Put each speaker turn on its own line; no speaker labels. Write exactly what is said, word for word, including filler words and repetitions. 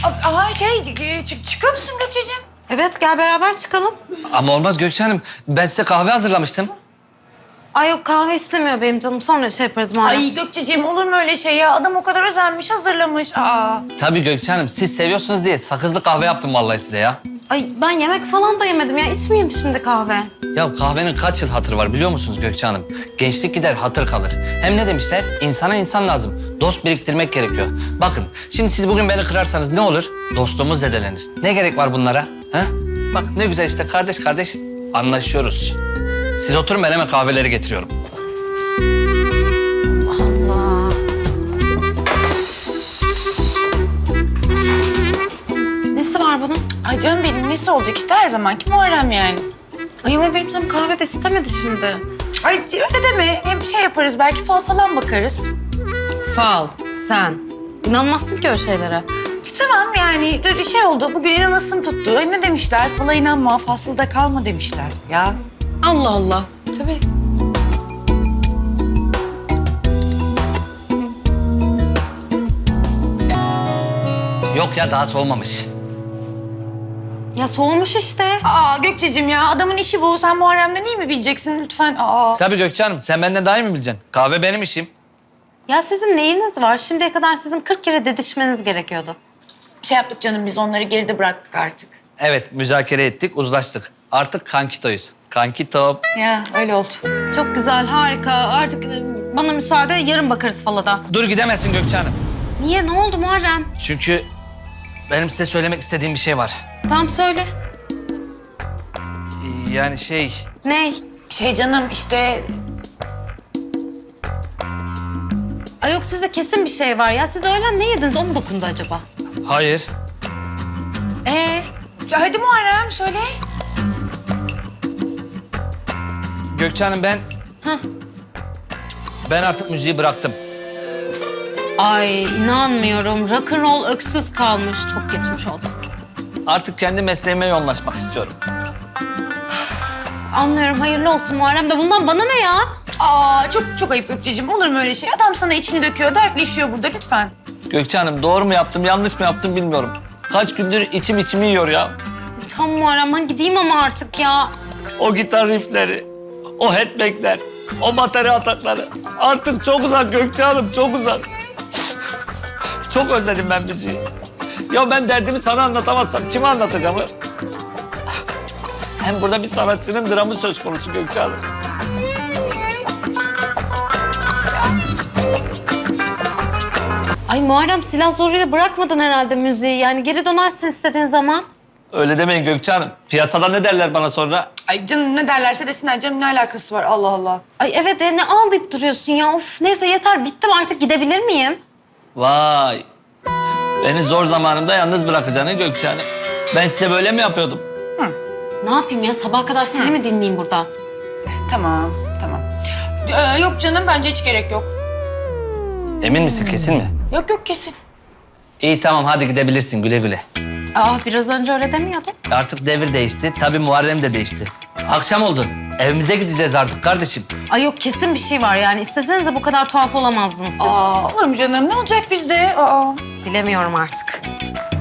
Aha şey çık çıkıyor musun Gökçe'cim?
Evet, gel beraber çıkalım.
Ama olmaz Gökçe Hanım. Ben size kahve hazırlamıştım.
Ay yok, kahve istemiyor benim canım. Sonra şey yaparız Muharrem.
Ay Gökçe'cim olur mu öyle şey ya? Adam o kadar özenmiş, hazırlamış. Aa.
Tabii Gökçe Hanım. Siz seviyorsunuz diye sakızlı kahve yaptım vallahi size ya.
Ay ben yemek falan da yemedim ya. İçmeyeyim şimdi kahve.
Ya kahvenin kaç yıl hatırı var biliyor musunuz Gökçe Hanım? Gençlik gider, hatır kalır. Hem ne demişler? İnsana insan lazım. Dost biriktirmek gerekiyor. Bakın, şimdi siz bugün beni kırarsanız ne olur? Dostluğumuz zedelenir. Ne gerek var bunlara? Ha? Bak ne güzel işte kardeş kardeş anlaşıyoruz. Siz oturun, ben hemen kahveleri getiriyorum.
Allah. Nesi var bunun?
Ay canım benim nesi olacak işte her zamanki Muharrem yani.
Ay ama benim canım kahve de istemedi şimdi.
Ay öyle deme. Hem şey yaparız belki fal falan bakarız.
Fal, sen. İnanmazsın ki öyle şeylere.
Tamam yani böyle şey oldu. Bugün inanasın tuttu. Ay, ne demişler? Fala inanma, falsız da kalma demişler. Ya
Allah Allah.
tabii.
Yok ya, daha soğumamış.
Ya soğumuş işte.
Aa Gökçe'cim ya adamın işi bu. Sen Muharrem'den iyi mi bileceksin lütfen? Aa.
Tabii Gökçe Hanım, sen benden daha iyi mi bileceksin? Kahve benim işim.
Ya sizin neyiniz var? Şimdiye kadar sizin kırk kere didişmeniz gerekiyordu.
Şey yaptık canım biz onları geride bıraktık artık.
Evet, müzakere ettik, uzlaştık. Artık kankitoyuz. Kankito.
Ya öyle oldu.
Çok güzel, harika. Artık e, bana müsaade, yarın bakarız falada.
Dur gidemezsin Gökçe Hanım.
Niye? Ne oldu Muharrem?
Çünkü benim size söylemek istediğim bir şey var.
Tamam söyle.
Yani şey...
Ney?
Şey canım işte
Ay yok, sizde kesin bir şey var ya. Siz öğlen ne yediniz? O mu dokundu acaba?
Hayır.
Ee,
ya hadi Muharrem söyle.
Gökçe Hanım ben...
Hah.
Ben artık müziği bıraktım.
ay inanmıyorum. Rock'n'roll öksüz kalmış. Çok geçmiş olsun.
Artık kendi mesleğime yoğunlaşmak istiyorum.
Anlıyorum. Hayırlı olsun Muharrem de. Bundan bana ne ya?
Aa çok çok ayıp Gökçe'cim. Olur mu öyle şey? Adam sana içini döküyor, dertleşiyor burada lütfen.
Gökçe Hanım doğru mu yaptım, yanlış mı yaptım bilmiyorum. Kaç gündür içim içimi yiyor ya.
Tam Muharrem, ben gideyim ama artık ya.
O gitar riffleri, o headbangler, o bateri atakları. Artık çok uzak Gökçe Hanım, çok uzak. Çok özledim ben müziği. Ya ben derdimi sana anlatamazsam kime anlatacağım? Hem burada bir sanatçının dramı söz konusu Gökçe Hanım.
Ay Muharrem, silah zoruyla bırakmadın herhalde müziği. Yani geri dönersin istediğin zaman.
Öyle demeyin Gökçe Hanım. Piyasada ne derler bana sonra?
Ay canım ne derlerse desinler canım ne alakası var Allah Allah.
Ay evet, e, ne ağlayıp duruyorsun ya? Of neyse yeter, bittim artık, gidebilir miyim?
Vay. Beni zor zamanımda yalnız bırakacağını Gökçe Hanım. Ben size böyle mi yapıyordum?
Ne yapayım ya, sabaha kadar seni mi dinleyeyim burada?
Tamam tamam. Ee, yok canım bence hiç gerek yok.
Emin misin, kesin mi?
Yok yok kesin.
İyi tamam, hadi gidebilirsin güle güle.
Aa biraz önce öyle demiyordun.
Artık devir değişti, tabii Muharrem de değişti. Akşam oldu, evimize gideceğiz artık kardeşim.
Ay yok, kesin bir şey var yani. İsteseniz de bu kadar tuhaf olamazdınız siz.
Aa olur mu canım ne olacak bizde? Aa.
Bilemiyorum artık.